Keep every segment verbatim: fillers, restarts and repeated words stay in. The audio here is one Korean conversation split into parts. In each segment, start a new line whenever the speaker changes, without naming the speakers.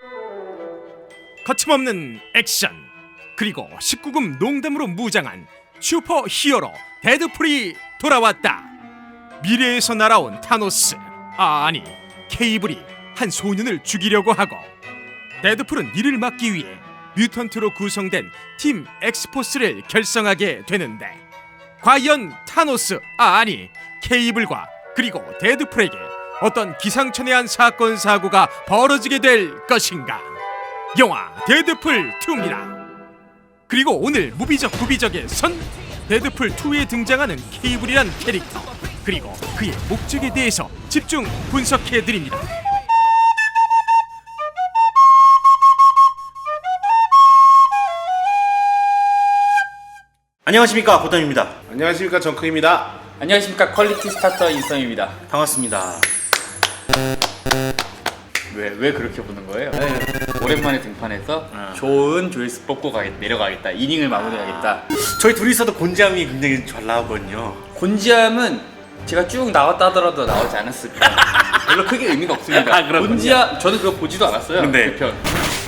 거침없는 액션 그리고 십구 금 농담으로 무장한 슈퍼 히어로 데드풀이 돌아왔다. 미래에서 날아온 타노스, 아 아니 케이블이 한 소년을 죽이려고 하고, 데드풀은 이를 막기 위해 뮤턴트로 구성된 팀 엑스포스를 결성하게 되는데, 과연 타노스, 아 아니 케이블과 그리고 데드풀에게 어떤 기상천외한 사건 사고가 벌어지게 될 것인가? 영화 데드풀 투입니다. 그리고 오늘 무비적 구비적의 선 데드풀 투에 등장하는 케이블이란 캐릭터, 그리고 그의 목적에 대해서 집중 분석해드립니다.
안녕하십니까, 고담입니다.
안녕하십니까, 정크입니다.
안녕하십니까, 퀄리티 스타터 인썸입니다.
반갑습니다.
왜, 왜 그렇게 보는 거예요?
네.
오랜만에 등판해서
어.
좋은 조회수 뽑고 가겠, 내려가겠다, 이닝을 마무리하겠다.
저희 둘이서도 곤지암이 굉장히 잘 나오거든요.
곤지암은 제가 쭉 나왔다 하더라도 나오지 않았을까. 별로 크게 의미가 없습니다.
아, 그렇군요.
곤지암, 저는 그거 보지도 않았어요.
네.
그 편.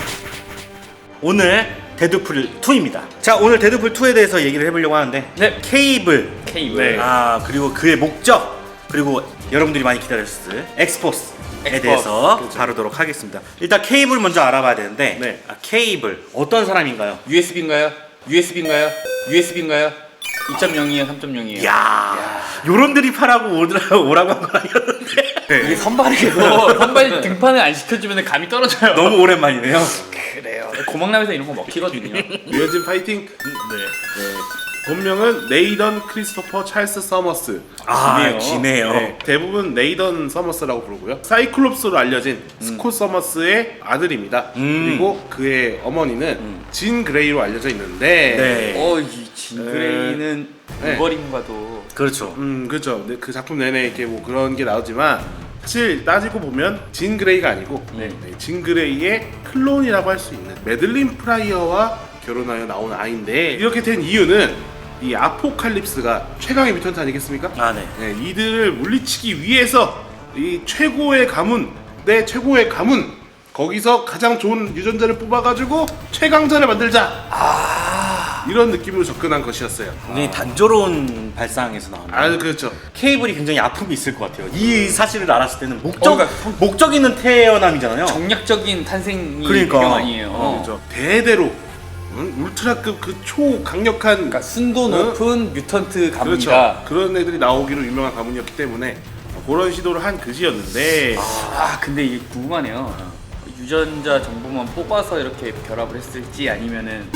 오늘 데드풀 투입니다. 자, 오늘 데드풀 투에 대해서 얘기를 해보려고 하는데,
네.
케이블,
케이블.
네.
아 그리고 그의 목적, 그리고 여러분들이 많이 기다렸을 엑스포스에
엑스포스.
대해서
그렇죠.
다루도록 하겠습니다. 일단 케이블 먼저 알아봐야 되는데,
네.
아, 케이블 어떤 사람인가요?
유에스비인가요? 유에스비인가요? 유에스비인가요? 이 점 영이에요? 삼 점 영이에요?
야, 요런 드립하라고 오더라, 오라고 한 건 아니었는데
이게 선발이라서 선발 등판을 안 시켜주면 감이 떨어져요.
너무 오랜만이네요.
그래요. 고막남에서 이런 거 먹히거든요.
유현진 파이팅. 네. 본명은 네이던 크리스토퍼 찰스 서머스.
아,
기네요.
기네요.
네, 대부분 네이던 서머스라고 부르고요. 사이클롭스로 알려진 스콧 서머스의 아들입니다.
음.
그리고 그의 어머니는 진 그레이로 알려져 있는데,
네.
어, 이 진그레이는
네.
우버림과도
그렇죠.
음 그렇죠. 네, 그 작품 내내 이렇게 뭐 그런 게 나오지만 사실 따지고 보면 진 그레이가 아니고
네.
네, 진 그레이의 클론이라고 할 수 있는 매들린 프라이어와 결혼하여 나온 아이인데, 이렇게 된 이유는 이 아포칼립스가 최강의 뮤턴트 아니겠습니까?
아, 네.
네, 이들을 물리치기 위해서 이 최고의 가문, 내 최고의 가문, 거기서 가장 좋은 유전자를 뽑아가지고 최강자를 만들자. 아~ 이런 느낌으로 접근한 것이었어요.
굉장히 단조로운 발상에서 나오는.
아 그렇죠.
케이블이 굉장히 아픔이 있을 것 같아요. 이 사실을 알았을 때는 목적,
어, 그러니까
목적 있는 태어남이잖아요.
정략적인 탄생이
그러니까.
배경 아니에요.
어, 그렇죠. 대대로 응? 울트라급 그 초강력한
그러니까 순도 높은 뮤턴트 가문이다.
그렇죠. 그런 애들이 나오기로 유명한 가문이었기 때문에 그런 시도를 한 그지였는데,
아, 근데 이게 궁금하네요. 유전자 정보만 뽑아서 이렇게 결합을 했을지, 아니면은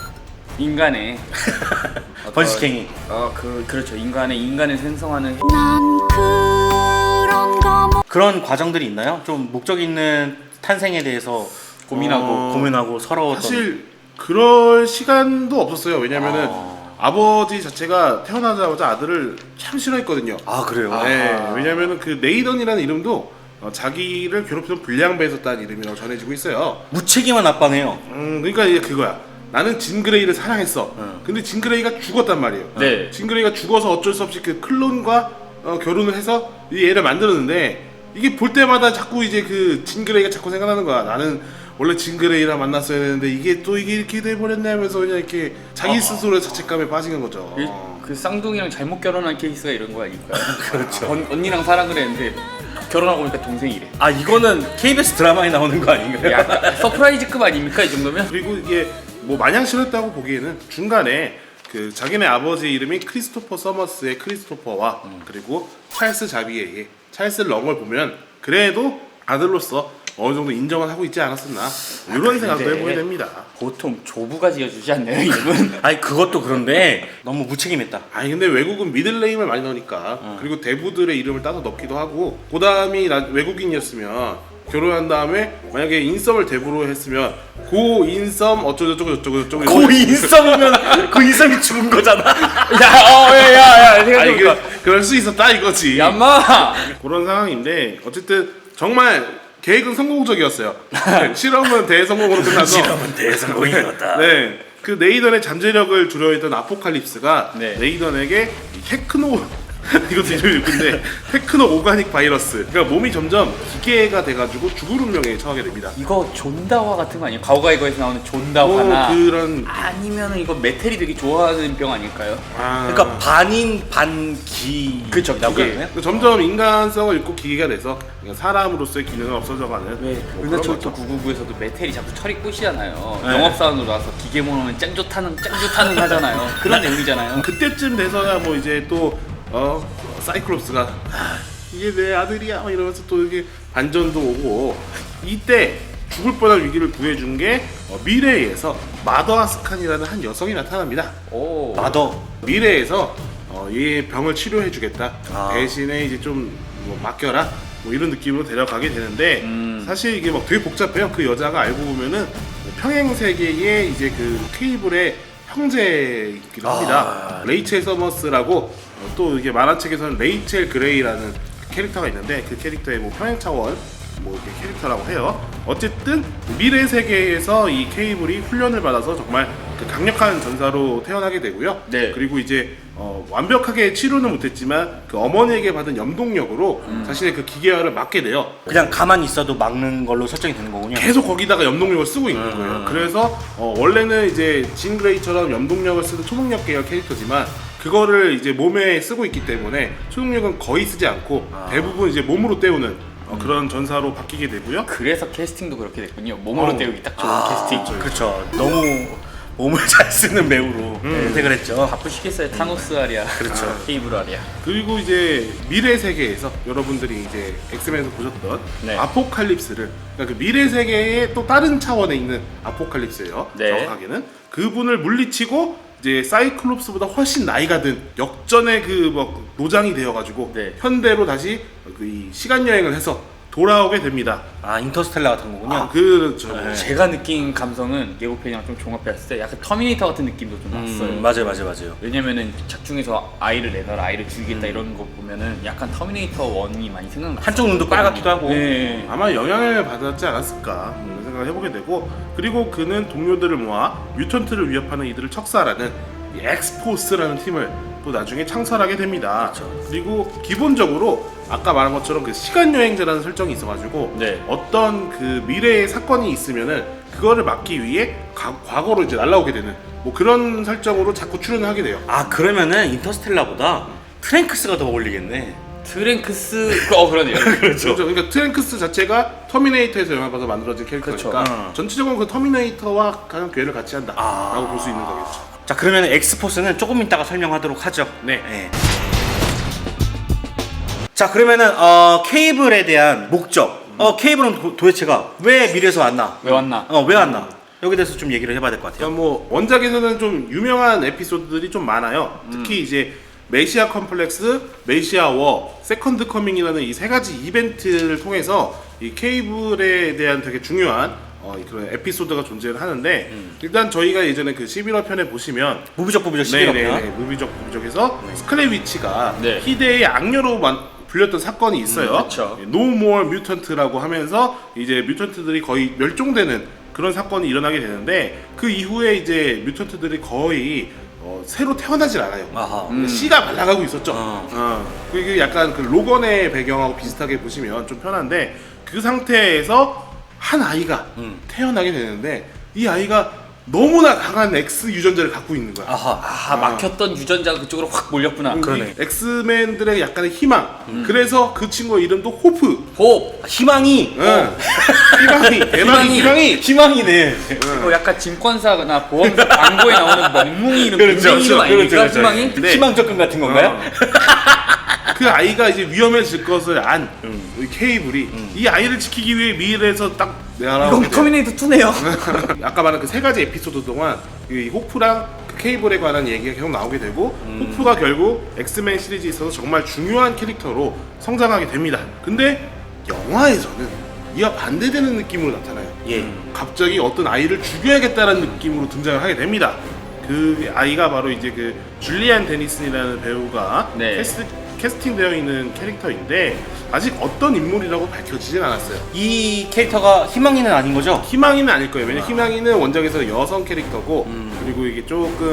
인간의 어떤-
번식행위.
어, 그 그렇죠. 인간의 인간을 생성하는
난 그런 거 못
그런 과정들이 있나요? 좀 목적 있는 탄생에 대해서
고민하고.
어, 고민하고 서러웠던.
사실 그럴 시간도 없었어요. 왜냐면은
아.
아버지 자체가 태어나자마자 아들을 참 싫어했거든요.
아, 그래요?
네, 왜냐면은 그 네이던이라는 이름도 어, 자기를 괴롭히던 불량배에서 딴 이름이라고 전해지고 있어요.
무책임한 아빠네요.
음, 그러니까 이게 그거야. 나는 진그레이를 사랑했어.
응.
근데 진그레이가 죽었단 말이에요.
네.
진그레이가 죽어서 어쩔 수 없이 그 클론과 어, 결혼을 해서 이 애를 만들었는데, 이게 볼 때마다 자꾸 이제 그 진그레이가 자꾸 생각나는 거야. 나는 원래 진그레이랑 만났어야 되는데 이게 또 이게 이렇게 돼버렸네 하면서 그냥 이렇게 자기 스스로의 자책감에 빠진 거죠.
그, 그 쌍둥이랑 잘못 결혼한 케이스가 이런 거 아닐까요? 그렇죠. 언, 언니랑 사랑을 했는데 결혼하고 보니까 동생이래.
아, 이거는 케이비에스 드라마에 나오는 거 아닌가요?
약간 서프라이즈급 아닙니까, 이 정도면?
그리고 이게 뭐 마냥 싫었다고 보기에는 중간에 그 자기네 아버지 이름이 크리스토퍼 서머스의 크리스토퍼와 그리고 찰스 자비에의 찰스 렁을 보면 그래도 아들로서 어느 정도 인정을 하고 있지 않았었나, 이런 생각도
근데
해보게 됩니다.
보통 조부가 지어주지 않나요, 이름은?
아니, 그것도 그런데 너무 무책임했다.
아니 근데 외국은 미들네임을 많이 넣으니까, 그리고 대부들의 이름을 따서 넣기도 하고, 고담이 나- 외국인이었으면 결혼한 다음에 만약에 인썸을 대부로 했으면 고 인썸 어쩌고저쩌고 저쩌고 저쩌고
고 인썸이면 그 인썸이 죽은 거잖아.
야, 어, 야, 야, 야,
아니 그,
생각해보니까.
그럴 수 있었다 이거지.
얌마!
그런 상황인데 어쨌든 정말 계획은 성공적이었어요. 실험은 대성공으로 끝나서
실험은 대성공이었다.
네, 그 네이던의 잠재력을 두려워했던 아포칼립스가
네.
네이던에게 이 테크노 이것도 이름이 근데 테크노 오가닉 바이러스. 그러니까 몸이 점점 기계가 돼가지고 죽을 운명에 처하게 됩니다.
이거 존다화 같은 거 아니에요? 가오가이거에서 나오는 존다화나
뭐 그런
아니면은 이거 메텔이 되게 좋아하는 병 아닐까요?
아,
그러니까 반인 반기.
그쵸,
라고
기계.
해야 되나요?
점점 인간성을 잃고 기계가 돼서 그냥 사람으로서의 기능은 없어져가는.
왜
뭐 그런
은하철도
거죠.
구구구에서도 메텔이 자꾸 철이 꼬시잖아요.
네.
영업사원으로 나와서 기계 모노는 짱 좋다는 짱 좋다는 하잖아요. 그런 내용이잖아요.
그때쯤 돼서야 뭐 이제 또 어, 사이클롭스가 아, 이게 내 아들이야 막 이러면서 또 이게 반전도 오고 이때 죽을 뻔한 위기를 구해준 게 어, 미래에서 마더 아스칸이라는 한 여성이 나타납니다.
오.
마더.
미래에서 어, 얘 병을 치료해주겠다.
아.
대신에 이제 좀 뭐 맡겨라. 뭐 이런 느낌으로 데려가게 되는데
음.
사실 이게 막 되게 복잡해요. 그 여자가 알고 보면은 평행 세계의 이제 그 케이블의 형제이기도 합니다.
아.
레이첼 서머스라고 어, 또 이게 만화책에서는 레이첼 그레이라는 캐릭터가 있는데 그 캐릭터의 뭐 평행 차원 뭐 이렇게 캐릭터라고 해요. 어쨌든 미래 세계에서 이 케이블이 훈련을 받아서 정말 그 강력한 전사로 태어나게 되고요.
네.
그리고 이제 어, 완벽하게 치료는 못했지만 그 어머니에게 받은 염동력으로
음.
자신의 그 기계화를 막게 돼요.
그냥 가만히 있어도 막는 걸로 설정이 되는 거군요.
계속 거기다가 염동력을 쓰고 있는
음.
거예요. 그래서 어, 원래는 이제 진 그레이처럼 염동력을 쓰는 초능력 계열 캐릭터지만 그거를 이제 몸에 쓰고 있기 때문에 초능력은 거의 쓰지 않고
아.
대부분 이제 몸으로 때우는 어, 그런 전사로 바뀌게 되고요.
그래서 캐스팅도 그렇게 됐군요. 몸으로
어.
때우기 딱 좋은
아,
캐스팅.
그렇죠. 너무 몸을 잘 쓰는 배우로 선택을 했죠.
바쁘시겠어요. 타노스 아리아.
그렇죠.
케이블 아리아.
그리고 이제 미래 세계에서 여러분들이 이제 엑스맨에서 보셨던
네.
아포칼립스를 그러니까 그 미래 세계의 또 다른 차원에 있는 아포칼립스예요.
네.
정확하게는 그분을 물리치고 이제 사이클롭스보다 훨씬 나이가 든 역전의 그 뭐 노장이 되어가지고
네.
현대로 다시 그 이 시간 여행을 해서 돌아오게 됩니다.
아 인터스텔라 같은 거군요.
아, 그렇죠.
네.
제가 느낀 감성은 예고편이랑 좀 종합했을 때 약간 터미네이터 같은 느낌도 좀 났어요.
음, 맞아요, 맞아요, 맞아요.
왜냐면은 작중에서 아이를 내놔라, 아이를 죽이겠다
음.
이런 거 보면은 약간 터미네이터 원이 많이 생각나.
한쪽 눈도 빨갛기도 하고.
네.
아마 영향을 받았지 않았을까 이런 생각을 해보게 되고 그리고 그는 동료들을 모아 뮤턴트를 위협하는 이들을 척사하라는 이 엑스포스라는 팀을 또 나중에 창설하게 됩니다.
그렇죠.
그리고 기본적으로 아까 말한 것처럼 그 시간 여행제라는 설정이 있어가지고
네.
어떤 그 미래의 사건이 있으면은 그거를 막기 위해 가- 과거로 이제 날아오게 되는 뭐 그런 설정으로 자꾸 출연을 하게 돼요.
아 그러면은 인터스텔라보다 트랭크스가 더 어울리겠네.
트랭크스 어 그러네요.
그렇죠. 그러니까 트랭크스 자체가 터미네이터에서 영향받아서 만들어진 캐릭터니까
그렇죠.
어.
전체적으로 그 터미네이터와 가장 괴를 같이 한다라고
아.
볼 수 있는 거겠죠.
자 그러면 엑스포스는 조금 이따가 설명하도록 하죠.
네.
자 그러면은 어, 케이블에 대한 목적. 어 케이블은 도, 도대체가 왜 미래에서 왔나?
왜 왔나?
어 왜 왔나? 여기 대해서 좀 얘기를 해봐야 될 것 같아요.
그러니까 뭐 원작에서는 좀 유명한 에피소드들이 좀 많아요. 특히 이제 메시아 컴플렉스, 메시아 워, 세컨드 커밍이라는 이 세 가지 이벤트를 통해서 이 케이블에 대한 되게 중요한 어, 그런 에피소드가 존재를 하는데 일단 저희가 예전에 그 십일화 편에 보시면
무비적 부비적 십일화
네네네
편.
무비적 무비적에서 스칼렛 위치가
네.
희대의 악녀로 만, 불렸던 사건이 있어요.
음, 그쵸.
No More Mutant라고 하면서 이제 뮤턴트들이 거의 멸종되는 그런 사건이 일어나게 되는데 그 이후에 이제 뮤턴트들이 거의 어, 새로 태어나질 않아요.
아하.
음. 씨가 말라가고 있었죠.
어.
어. 그게 약간 그 로건의 배경하고 비슷하게 보시면 좀 편한데 그 상태에서 한 아이가
음.
태어나게 되는데 이 아이가 너무나 강한 X 유전자를 갖고 있는 거야.
아하.
아 막혔던 유전자가 그쪽으로 확 몰렸구나.
그러네.
이 엑스맨들의 약간의 희망. 그래서 그 친구의 이름도 호프.
호흡.
희망이.
응. 희망이, 대박이 희망이.
희망이네.
어, 약간 증권사나 보험사 광고에 나오는 멍뭉이 이름,
그렇죠,
맹맹이 이름
그렇죠,
아닙니까?
그렇죠.
희망이?
네.
희망 접근 같은 건가요?
그 아이가 이제 위험해질 것을 안 우리 케이블이 이 아이를 지키기 위해 미래에서 딱 내가라고.
이건 터미네이터 투네요.
아까 말한 그 세 가지 에피소드 동안 이 호프랑 그 케이블에 관한 얘기가 계속 나오게 되고 호프가 결국 엑스맨 시리즈에 있어서 정말 중요한 캐릭터로 성장하게 됩니다. 근데 영화에서는 이와 반대되는 느낌으로 나타나요.
예.
갑자기 어떤 아이를 죽여야겠다는 느낌으로 등장을 하게 됩니다. 그 아이가 바로 이제 그 줄리안 데니슨이라는 배우가
네.
캐스트, 캐스팅되어 있는 캐릭터인데 아직 어떤 인물이라고 밝혀지진 않았어요.
이 캐릭터가 희망이는 아닌 거죠?
희망이는 아닐 거예요. 왜냐면 희망이는 원작에서 여성 캐릭터고 그리고 이게 조금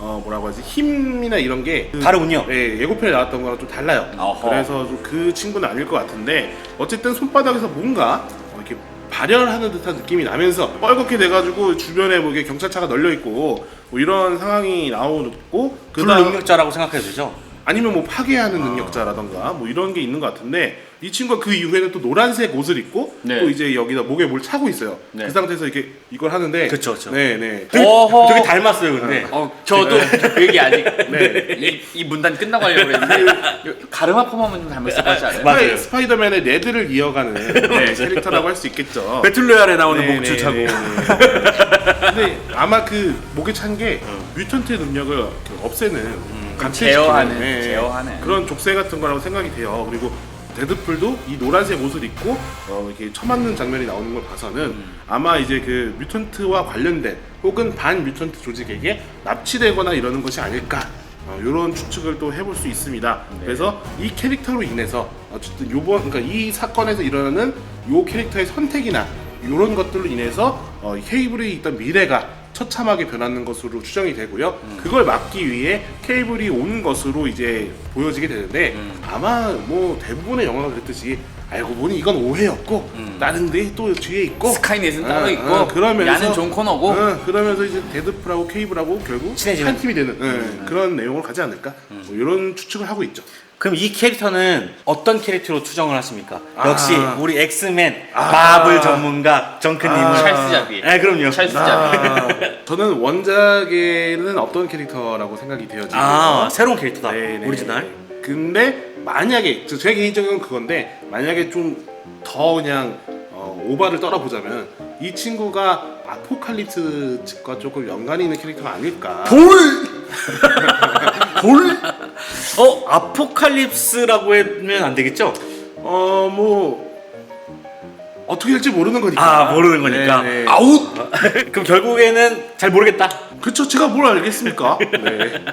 어 뭐라고 하지 힘이나 이런 게 그,
다르군요.
예, 예고편에 나왔던 거랑 좀 달라요.
어허.
그래서 좀 그 친구는 아닐 것 같은데 어쨌든 손바닥에서 뭔가 어, 이렇게 발열하는 듯한 느낌이 나면서 뻘겋게 돼가지고 주변에 뭐 이게 경찰차가 널려 있고 뭐 이런 상황이 나오고 그다음
불능력자라고 생각해도 되죠?
아니면 뭐 파괴하는 능력자라던가 뭐 이런 게 있는 것 같은데 이 친구가 그 이후에는 또 노란색 옷을 입고
네.
또 이제 여기다 목에 뭘 차고 있어요.
네.
그 상태에서 이렇게 이걸 하는데
그쵸, 그쵸.
네네.
되게,
어허.
되게 닮았어요, 근데.
어, 저도 그 얘기 아직
네.
이, 이 문단 끝나고 하려고 했는데 가르마 펌하면 좀 닮았을 것 같지 않아요?
맞아요.
스파이, 스파이더맨의 레드를 이어가는 네, 캐릭터라고 할 수 있겠죠.
배틀로얄에 나오는
네,
목줄
네,
차고.
네, 네. 근데 아마 그 목에 찬 게 뮤턴트의 능력을 이렇게 없애는 감체시키는,
제어하는,
네,
제어하는.
그런 족쇄 같은 거라고 생각이 돼요. 그리고 데드풀도 이 노란색 옷을 입고 어, 이렇게 처맞는 장면이 나오는 걸 봐서는
음.
아마 이제 그 뮤턴트와 관련된 혹은 반 뮤턴트 조직에게 납치되거나 이러는 것이 아닐까 어, 이런 추측을 또 해볼 수 있습니다.
네.
그래서 이 캐릭터로 인해서 어쨌든 요번 그러니까 이 사건에서 일어나는 요 캐릭터의 선택이나 이런 것들로 인해서 어, 케이블이 있던 미래가 처참하게 변하는 것으로 추정이 되고요.
음.
그걸 막기 위해 케이블이 온 것으로 이제 보여지게 되는데
음.
아마 뭐 대부분의 영화가 그랬듯이 알고 보니 이건 오해였고
음.
다른 데 또 뒤에 있고
스카이넷은
어,
따로 있고
어, 그러면서
야는 존 코너고
어, 그러면서 이제 데드풀하고 케이블하고 결국
친해지는.
한 팀이 되는 예, 그런 내용을 가지 않을까 뭐 이런 추측을 하고 있죠.
그럼 이 캐릭터는 어떤 캐릭터로 추정을 하십니까?
아.
역시 우리 엑스맨
아.
마블 전문가 정크님은.
아.
찰스 자비
네, 그럼요.
찰스 자비
아, 저는 원작에는 어떤 캐릭터라고 생각이 돼요 지금.
아, 새로운 캐릭터다.
네네.
오리지널.
근데 만약에 저- 제 개인적인 그건데 만약에 좀 더 그냥 어, 오바를 떨어보자면 이 친구가 아포칼립스 측과 조금 연관이 있는 캐릭터가 아닐까.
돌! 돌? 어, 아포칼립스라고 하면 안 되겠죠?
어 뭐 어떻게 될지 모르는 거니까.
아, 모르는 거니까.
네네.
아웃! 그럼 결국에는 잘 모르겠다.
그쵸, 제가 뭘 알겠습니까? 네.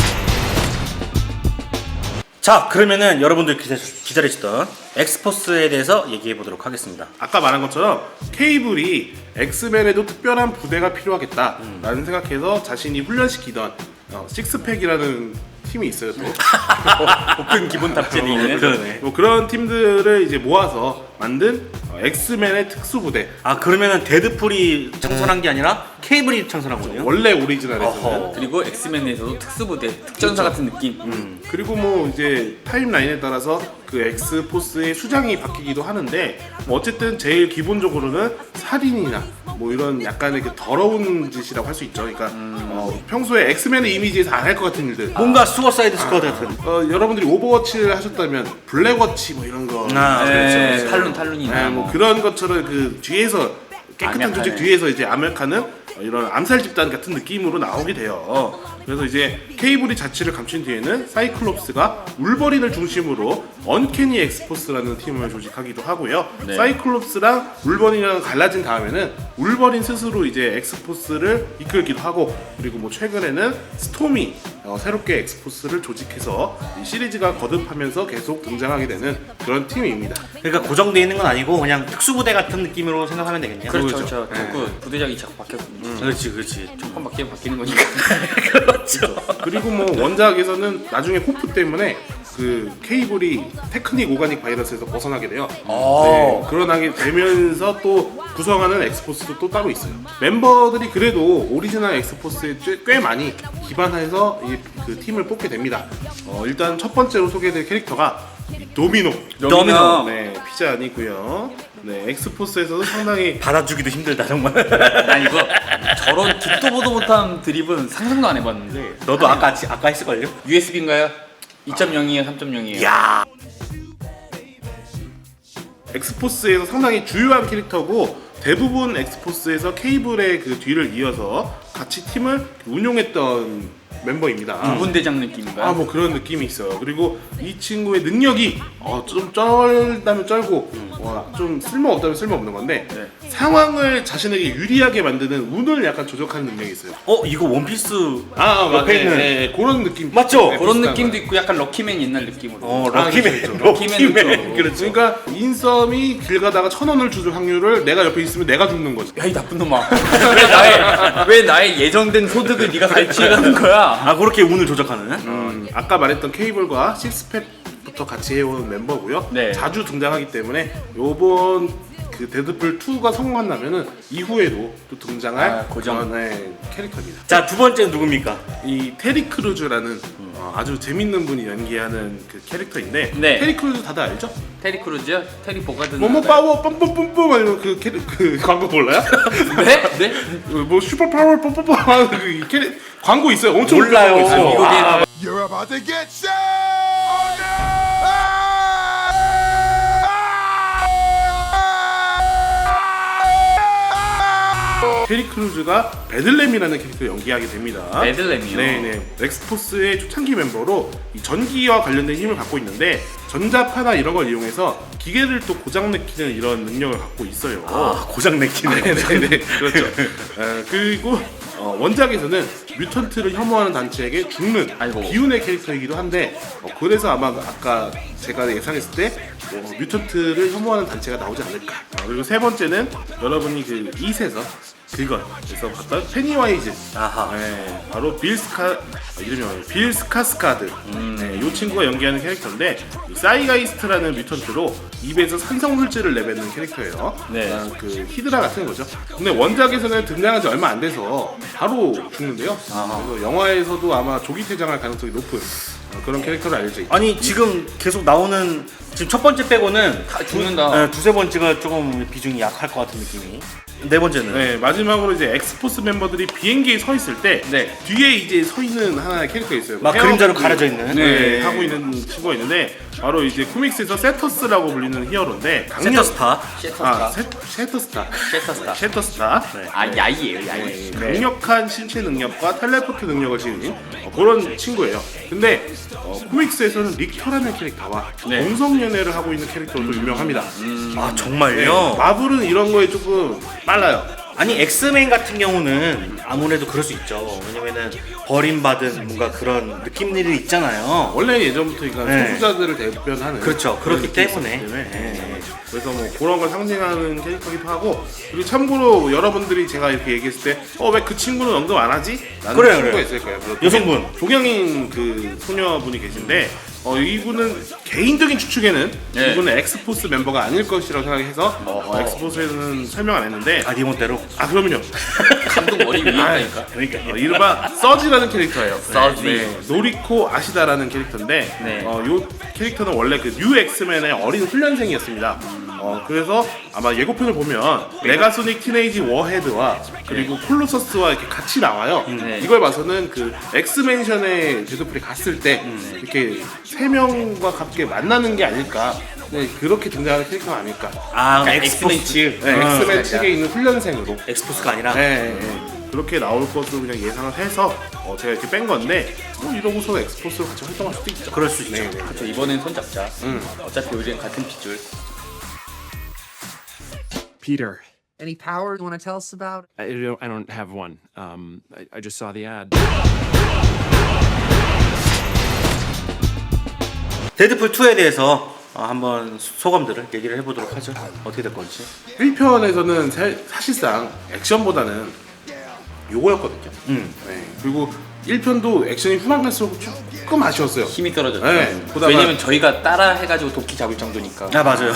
자, 그러면은 여러분들 기다, 기다리시던 엑스포스에 대해서 얘기해 보도록 하겠습니다.
아까 말한 것처럼 케이블이 엑스맨에도 특별한 부대가 필요하겠다라는 생각해서 자신이 훈련시키던 어, 식스팩이라는 팀이 있어요 또.
복근 기본 탑재돼 있는
그러네.
뭐 그런 팀들을 이제 모아서 만든 어, 엑스맨의 특수부대.
아, 그러면은 데드풀이 창설한 게 아니라 케이블이 창설한 거네요?
원래 오리지널에서는.
어허.
그리고 엑스맨에서도 특수부대 특전사 같은 느낌
음, 그리고 뭐 이제 타임라인에 따라서 그 엑스포스의 수장이 바뀌기도 하는데 뭐 어쨌든 제일 기본적으로는 살인이나 뭐 이런 약간의 그 더러운 짓이라고 할 수 있죠. 그러니까 어, 평소에 엑스맨의 이미지에서 안 할 것 같은 일들.
뭔가 수어사이드 스쿼드 같은.
어, 여러분들이 오버워치를 하셨다면 블랙워치 뭐 이런 거.
아,
네,
그렇죠.
탈룬 탈룬이나
네, 뭐 그런 것처럼 그 뒤에서 깨끗한
암약하는.
조직 뒤에서 이제 암약하는 어, 이런 암살 집단 같은 느낌으로 나오게 돼요. 그래서 이제 케이블이 자취를 감춘 뒤에는 사이클롭스가 울버린을 중심으로 언캐니 엑스포스라는 팀을 조직하기도 하고요.
네.
사이클롭스랑 울버린이랑 갈라진 다음에는 울버린 스스로 이제 엑스포스를 이끌기도 하고 그리고 뭐 최근에는 스톰이 어, 새롭게 엑스포스를 조직해서 이 시리즈가 거듭하면서 계속 등장하게 되는 그런 팀입니다.
그러니까 고정돼 있는 건 아니고 그냥 특수부대 같은 느낌으로 생각하면 되겠네요.
그렇죠
그거죠.
그렇죠 자꾸 부대장이 자꾸 바뀌었거든요
그렇지, 그렇지.
조금 바뀌면 바뀌는 거니까
그렇죠.
그리고 뭐 원작에서는 나중에 호프 때문에 그 케이블이 테크닉 오가닉 바이러스에서 벗어나게 돼요. 네, 그러나게 되면서 또 구성하는 엑스포스도 또 따로 있어요. 멤버들이 그래도 오리지널 엑스포스에 꽤- 꽤 많이 기반해서 이 그 팀을 뽑게 됩니다. 어, 일단 첫 번째로 소개될 캐릭터가 이 도미노.
도미노.
네, 피자 아니고요. 네, 엑스포스에서도 상당히
받아주기도 힘들다 정말.
난 이거 저런 듣도 보도 못한 드립은 상상도 안 해봤는데
너도 아까 아까 했을걸요?
유에스비인가요? 이 점 영이에요 삼 점 영이에요
야,
엑스포스에서 상당히 주요한 캐릭터고 대부분 엑스포스에서 케이블의 그 뒤를 이어서 같이 팀을 운용했던 멤버입니다.
군대장 느낌인가요?
아 뭐 그런 느낌이 있어요. 그리고 이 친구의 능력이 어, 좀 쩔다면 쩔고 어, 어, 좀 쓸모 없다면 쓸모 없는 건데
네.
상황을 자신에게 유리하게 만드는 운을 약간 조작하는 능력이 있어요.
어 이거 원피스
아,
옆에
네,
있는
네, 그런 느낌
맞죠?
네,
그런
비슷한
느낌도
거예요.
있고 약간 럭키맨 옛날 느낌으로.
어
아,
럭키맨
그렇죠,
럭키맨
럭키맨
좀.
그렇죠.
그러니까 인썸이 길 가다가 천 원을 주줄 확률을 내가 옆에 있으면 내가 죽는 거지.
야 이 나쁜 놈아. 왜 나의 왜 나의 예정된 소득을 네가 갈취해가는 거야?
아 그렇게 운을 조작하는?
음, 아까 말했던 케이블과 식스팩부터 같이 해온 멤버고요.
네.
자주 등장하기 때문에 요번 그 데드풀 투가 성공한다면은 이후에도 또 등장할
아, 고정.
그런, 네, 캐릭터입니다.
자 두 번째는 누굽니까?
이 테리 크루즈라는 어, 아주 재밌는 분이 연기하는 그 캐릭터인데
네.
테리 크루즈 다들 알죠?
테리 크루즈요? 테리 보가든.
뭐뭐 파워 뿜뿜뿜뿜 아니면 그 캐릭 그 광고 몰라요?
네? 네?
뭐 슈퍼 파워 뿜뿜뿜 하는 그 캐릭 광고 있어요. 엄청
몰라요.
웃긴 광고 있어요.
미국에
아,
You're about to get shot! Oh no!
테리 크루즈가 베들렘이라는 캐릭터를 연기하게 됩니다.
베들렘이요?
네네. 엑스포스의 초창기 멤버로 이 전기와 관련된 힘을 갖고 있는데 전자파나 이런 걸 이용해서 기계를 또 고장내키는 이런 능력을 갖고 있어요.
아 고장 내키네.
네네 그렇죠. 어, 그리고 어, 원작에서는 뮤턴트를 혐오하는 단체에게 죽는
아이고.
비운의 캐릭터이기도 한데 어, 그래서 아마 아까 제가 예상했을 때 어, 뮤턴트를 혐오하는 단체가 나오지 않을까. 어, 그리고 세 번째는 여러분이 그 이세서 그것에서 봤던 페니와이즈.
아하.
네, 바로 빌스카 아, 이름이 뭐예요? 빌 스카스카드. 네, 이 친구가 연기하는 캐릭터인데 이 사이가이스트라는 뮤턴트로 입에서 산성 물질을 내뱉는 캐릭터예요.
네.
아, 그 히드라 같은 거죠. 근데 원작에서는 등장한 지 얼마 안 돼서 바로 죽는데요. 그래서 영화에서도 아마 조기 퇴장할 가능성이 높은 어, 그런 캐릭터로 알려져 있죠.
아니 지금 계속 나오는 지금 첫 번째 빼고는
다 죽는다.
네, 두세 번째가 조금 비중이 약할 것 같은 느낌이. 네 번째는
네, 마지막으로 이제 엑스포스 멤버들이 비행기에 서 있을 때
네.
뒤에 이제 서 있는 하나의 캐릭터가 있어요.
막
헤어-
그림자로 가려져 있는.
네,
네.
하고 있는 친구가 있는데 바로 이제 코믹스에서 세터스라고 불리는 히어로인데 강력
세터스타.
셰터스타.
아, 세, 셰터스타.
셰터스타.
셰터스타.
네.
아 야이예요 야이.
네, 강력한 신체 능력과 텔레포트 능력을 지닌 어, 그런 친구예요. 근데 어, 코믹스에서는 릭터라는 캐릭터와
네.
동성 연애를 하고 있는 캐릭터로 또 유명합니다.
아
네,
정말요?
마블은 이런 거에 조금 빨라요.
아니 엑스맨 같은 경우는 아무래도 그럴 수 있죠. 왜냐면은 버림받은 뭔가 그런 느낌들이 있잖아요.
원래 예전부터 그러니까
네.
소수자들을 대변하는
그렇죠.
그런
그렇기
느낌이
때문에.
있었기 때문에.
네.
그래서 뭐 그런 걸 상징하는 캐릭터기도 하고 그리고 참고로 여러분들이 제가 이렇게 얘기했을 때 어 왜 그 친구는 언급 안 하지? 라는
그래요,
친구가
그래요.
있을 거예요. 그래서
여성분.
조경인 그 소녀분이 계신데 어, 이분은 개인적인 추측에는
네.
이분은 엑스포스 멤버가 아닐 것이라고 생각해서 어, 엑스포스에는 설명 안 했는데
아 니몬대로.
아 그럼요.
감독 머리 위에 있다니까.
그러니까
어, 이른바 서지라는 캐릭터예요.
서지.
네, 노리코 아시다라는 캐릭터인데
네.
어, 요 캐릭터는 원래 그 뉴 엑스맨의 어린 훈련생이었습니다. 어, 그래서 아마 예고편을 보면 메가소닉 티네이지 워헤드와 그리고 콜로서스와 이렇게 같이 나와요.
네.
이걸 봐서는 그 엑스맨션에 데드풀이 갔을 때 이렇게 세 명과 함께 만나는 게 아닐까. 네, 그렇게 등장하는 캐릭터가 아닐까.
아
그러니까 엑스맨
엑스포스.
측.
네,
어,
엑스맨 측에 있는 훈련생으로.
엑스포스가 아니라.
네, 네, 네. 그렇게 나올 것으로 그냥 예상을 해서 어, 제가 이렇게 뺀 건데 뭐 이러고서 엑스포스로 같이 활동할 수도 있죠.
그럴 수 있죠.
네, 네.
저 이번엔 손잡자.
음.
어차피 우리는 같은 핏줄.
Peter.
Any power you want to tell us about?
I don't, I don't have one. Um, I, I just saw the ad.
데드풀 투에 대해서 어, 한번 소감들을 얘기를 해보도록 하죠. 어떻게 될 건지.
일 편에서는 사, 사실상 액션보다는 요거였거든요.
음.
네. 그리고 일 편도 액션이 후반 갈수록 조금 아쉬웠어요.
힘이 떨어졌죠.
네, 보다가-
왜냐면 저희가 따라 해가지고 도끼 잡을 정도니까.
아 맞아요.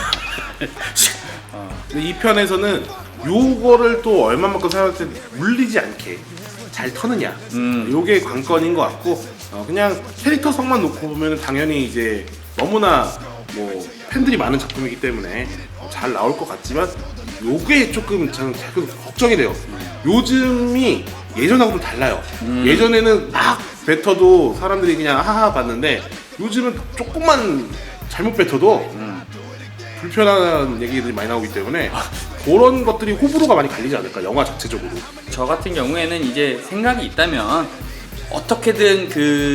근데 이 편에서는 요거를 또 얼마만큼 사용할 때 물리지 않게 잘 터느냐.
음.
요게 관건인 것 같고 어, 그냥 캐릭터성만 놓고 보면 당연히 이제 너무나 뭐 팬들이 많은 작품이기 때문에 어, 잘 나올 것 같지만 요게 조금 저는 가끔 걱정이 돼요. 요즘이 예전하고는 달라요. 예전에는 막 뱉어도 사람들이 그냥 하하 봤는데 요즘은 조금만 잘못 뱉어도 불편한 얘기들이 많이 나오기 때문에 그런 것들이 호불호가 많이 갈리지 않을까 영화 자체적으로.
저 같은 경우에는 이제 생각이 있다면 어떻게든 그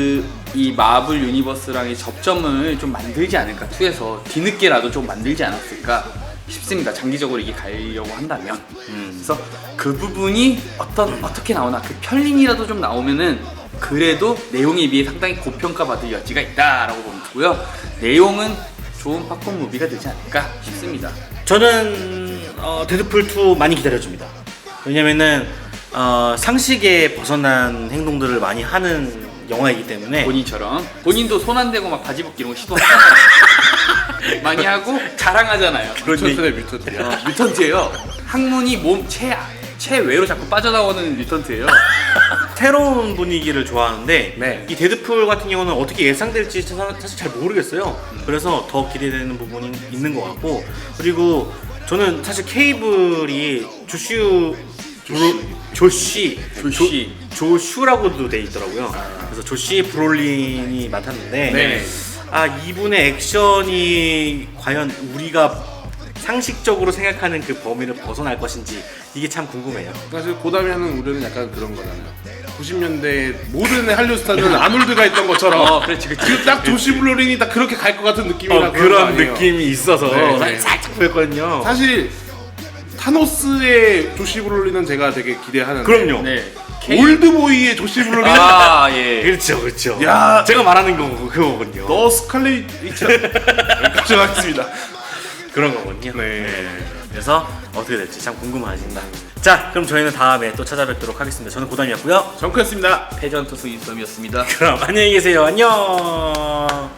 이 마블 유니버스랑의 접점을 좀 만들지 않을까, 투에서 뒤늦게라도 좀 만들지 않았을까 싶습니다. 장기적으로 이게 가려고 한다면.
음.
그래서 그 부분이 어떤 어떻게 나오나, 그 편린이라도 좀 나오면은 그래도 내용에 비해 상당히 고평가받을 여지가 있다라고 보고요. 내용은 좋은 팝콘 무비가 되지 않을까 싶습니다.
저는 어, 데드풀 투 많이 기다려줍니다. 왜냐면은 어, 상식에 벗어난 행동들을 많이 하는 영화이기 때문에
본인처럼 본인도 손 안 대고 막 바지 벗기 이런 거 시도하잖아요. 많이 하고 자랑하잖아요.
뮤턴트네 뮤턴트.
어, 뮤턴트예요. 항문이 몸 최, 최외로 자꾸 빠져나오는 뮤턴트예요.
새로운 분위기를 좋아하는데
네.
이 데드풀 같은 경우는 어떻게 예상될지 사- 사실 잘 모르겠어요. 그래서 더 기대되는 부분이 있는 것 같고, 그리고 저는 사실 케이블이 조슈 브로, 조시
조시.
조, 조슈라고도 돼 있더라고요. 그래서 조시 브롤린이 맡았는데
네.
아 이분의 액션이 과연 우리가 상식적으로 생각하는 그 범위를 벗어날 것인지 이게 참 궁금해요.
사실 고담이 하는 우려는 약간 그런 거잖아요. 구십 년대 모든 할리우드 스타는 아놀드가 있던 것처럼
어, 그렇지, 그렇지.
지금 딱 조시 블루린이 딱 그렇게 갈 것 같은 느낌이라
어,
그런 거
그런
아니에요.
느낌이 있어서
네,
살-
네.
살짝 보였거든요.
사실 타노스의 조시 블루린은 제가 되게 기대하는데
그럼요.
네.
올드보이의 조시 블루린
아, 예.
그렇죠, 그렇죠.
야.
제가 말하는 거 그거거든요.
너 스칼렛 위치 걱정하겠습니다.
그런 거거든요.
네.
그래서 어떻게 될지 참 궁금하십니다. 자, 그럼 저희는 다음에 또 찾아뵙도록 하겠습니다. 저는 고담이었고요.
정크였습니다.
패전투수 인썸이었습니다.
그럼 안녕히 계세요. 안녕.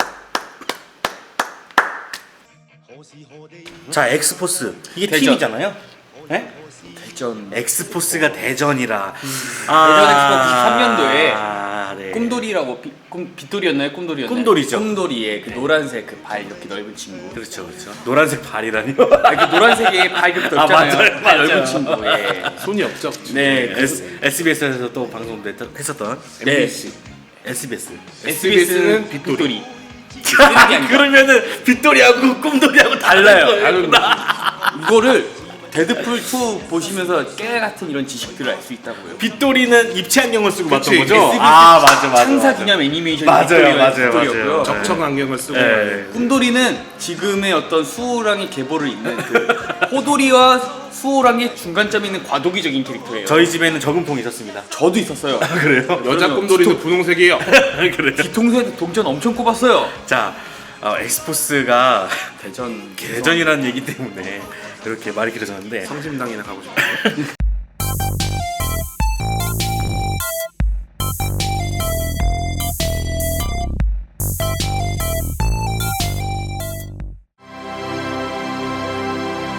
자, 엑스포스 이게
대전.
팀이잖아요. 네?
대전.
엑스포스가 대전이라.
대전 엑스포 구십삼 년도에
아, 네.
꿈돌이라고 비, 꿈, 빗돌이였나요? 꿈돌이였나요?
꿈돌이죠.
꿈돌이의 그 노란색 그 발 이렇게 넓은 친구.
그렇죠, 그렇죠. 노란색 발이라니요.
아, 그 노란색의 발 이렇게
아,
넓잖아요.
맞아요,
발
맞아요.
넓은 친구. 예.
손이 없죠.
네, 그
S, 에스비에스에서 또 방송도 했- 했었던
네.
엠비씨.
에스비에스.
에스비에스는
빗돌이.
빗돌이.
그러면은 빗돌이하고 꿈돌이하고 달라요.
다른
이거를 데드풀 투 보시면서 깨 같은 이런 지식들을 알 수 있다고요.
빗돌이는 입체 안경을 쓰고
그치,
봤던 거죠?
에스비에스
아 맞아 맞아.
창사
맞아.
기념 애니메이션
맞아요,
빗돌이가
맞아요,
빗돌이었고요.
맞아요.
적청 안경을 쓰고
네.
꿈돌이는 지금의 어떤 수호랑의 계보를 잇는 그 호돌이와 수호랑의 중간점에 있는 과도기적인 캐릭터예요.
저희 집에는 저금통이 있었습니다.
저도 있었어요.
그래요?
여자
그러면
꿈돌이는 분홍색이에요.
그래요?
뒤통수에 동전 엄청 꼽았어요.
자, 어, 엑스포스가
대전
대전이라는 얘기 때문에 이렇게 말이 길어졌는데
성심당이나 가고 싶어요.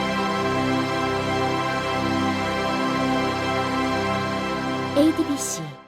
에이디비씨